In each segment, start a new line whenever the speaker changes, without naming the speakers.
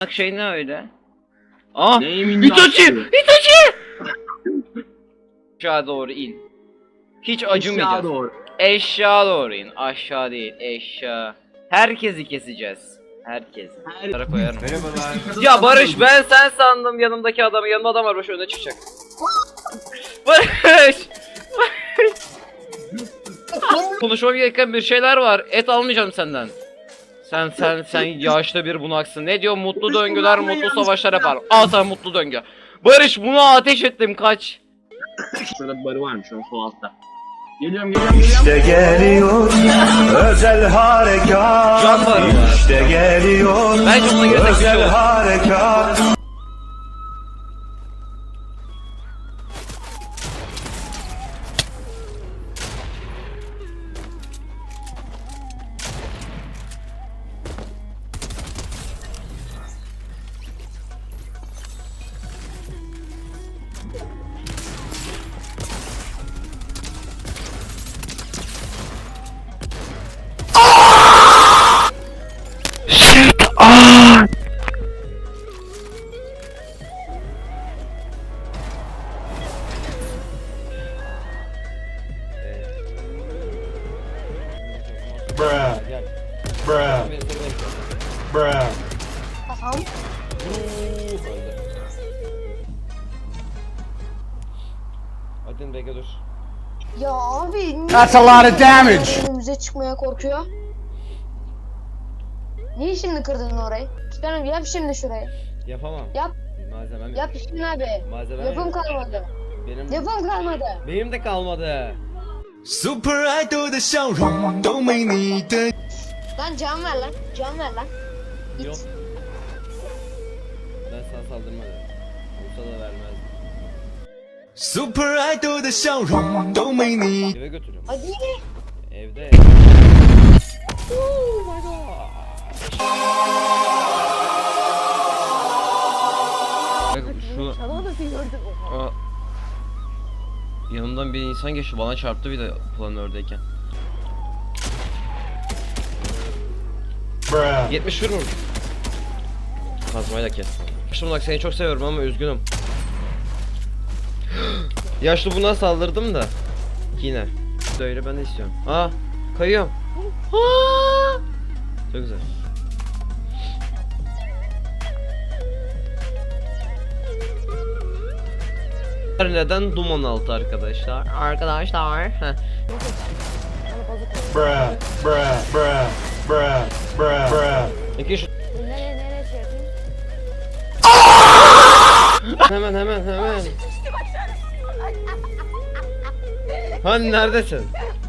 Bak şey ne öyle? Ah!
Neyimin
Itachi!
yaptığı?
Itachi! Aşağı doğru in. Hiç
Aşağı
acımayacağız.
doğru.
Eşya doğru in. Aşağı değil. Eşya. Herkesi keseceğiz. Herkes. Her koyarım. Ya Barış ben sen sandım yanımdaki adamı. Yanımda adam var. Barış öne çıkacak. Barış! Konuşmam gereken bir şeyler var. Et almayacağım senden. Sen yaşlı bir bunaksın. Ne diyor? Mutlu döngüler, mutlu savaşlar yapar. Al sana mutlu döngü. Barış buna ateş ettim kaç.
Şurada bir barı varmış o sol altta. Geliyorum.
İşte geliyor özel harekat.
Can barı var.
İşte geliyor
Bence buna girsek bir şey
özel
olur.
harekat. Bruh. Bruh. Bruh.
Hadi bekle dur.
Ya abi
That's a lot of damage.
önümüze çıkmaya korkuyor. Niye şimdi kırdın orayı? Canım yap şimdi şurayı.
Yapamam.
Yap.
Malzemem
Yap şimdi abi.
Malzemem
Yapım kalmadı.
Benim
Yapım kalmadı.
benim de kalmadı.
Super idol 的笑容都没你的。
Lan can ver lan. Can ver lan.
Yok. Ben sana saldırmadım. Olsa da vermezdim.
Super idol 的笑容都没你。
Eve götürüyorum.
Hadi.
Evde. Bak şu Aa, yanımdan bir insan geçti bana çarptı bir de planördeyken. 70 vurur. Kazmayla kes. Yaşlı bunak seni çok seviyorum ama üzgünüm. Yaşlı buna saldırdım da. Yine. Böyle ben de istiyorum. Aa, kayıyorum. Aa! Çok güzel. Neden duman altı arkadaşlar? Arkadaşlar. Heh.
Bruh. Bruh. Bruh. Bruh. Bruh. Bruh.
İki şu.
Nereye şey yapayım?
Hemen. Hani neredesin?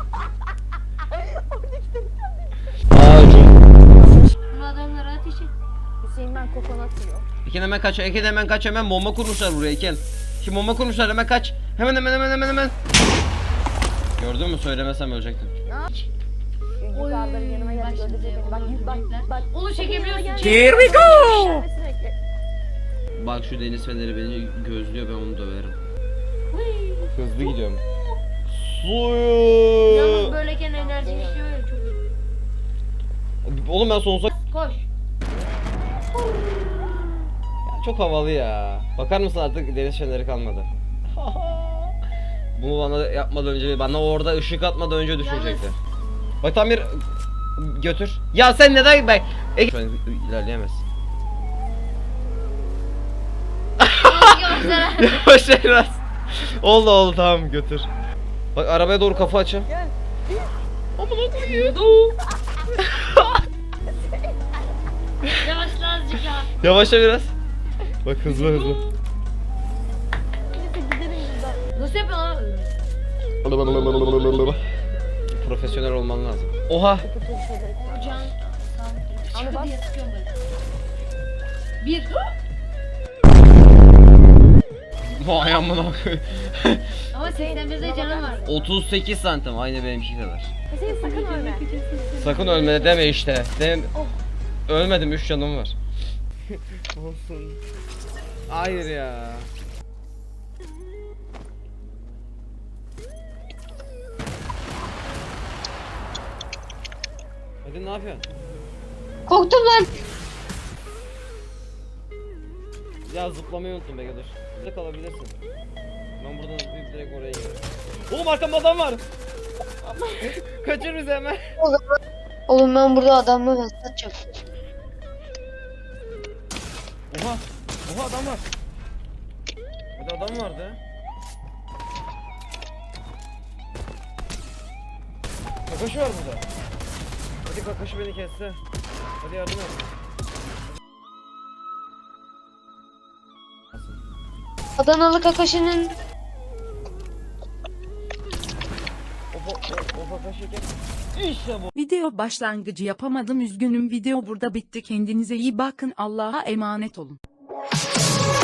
Bu adamlara ateş et. Hüseyin ben kokonat yiyor.
Ekin hemen kaç hemen bomba kurmuşlar buraya Ekin. Şimdi bomba kurmuşlar hemen kaç. Hemen. Gördün mü söylemesem ölecektim.
Yukarıların yanıma geldi öldürecek beni. Bak. Onu çekebiliyorsun.
Here we go. Bak şu deniz feneri beni gözlüyor ben onu döverim. Hızlı gidiyorum.
Yalnız
Suyu.
böyleyken enerji işliyor ya çok iyi.
Oğlum ben sonsuza
Koş.
çok havalı ya. Bakar mısın artık deniz feneri kalmadı. Bunu bana yapmadan önce bana orada ışık atmadan önce düşünecekti. Bak tam bir götür. Ya sen neden ben şu an ilerleyemez. Yavaş biraz. Oldu tamam götür. Bak arabaya doğru kafa açın. Gel. Amına koyayım.
Yavaşla azıcık ya.
Yavaşla biraz. Bak hızlı.
Nasıl yapıyorsun lan?
Profesyonel olman lazım. Oha.
Can. Çıkı diye sıkıyorum böyle. Bir.
Vay amına koyayım.
Ama 81'de canım var.
38 santim aynı benimki kadar.
Hüseyin sakın ölme.
Sakın ölme deme işte. Ölmedim 3 canım var. Olsun. Hayır ya. Hadi ne yapıyorsun?
Korktum lan.
Ya zıplamayı unuttum be dur. Burada kalabilirsin. Ben buradan zıplayıp direkt oraya gidiyorum. Oğlum arkamda adam var. Kaçır bizi hemen.
Oğlum ben burada adamla satacağım.
Oha. Oha adam var. Burada adam vardı. Kakaşı var burada. Hadi Kakaşı beni kesse. Hadi yardım et.
Adanalı Kakashi'nin
O Kakaşı kes. İşte bu.
Video başlangıcı yapamadım, üzgünüm. Video burada bitti. Kendinize iyi bakın. Allah'a emanet olun.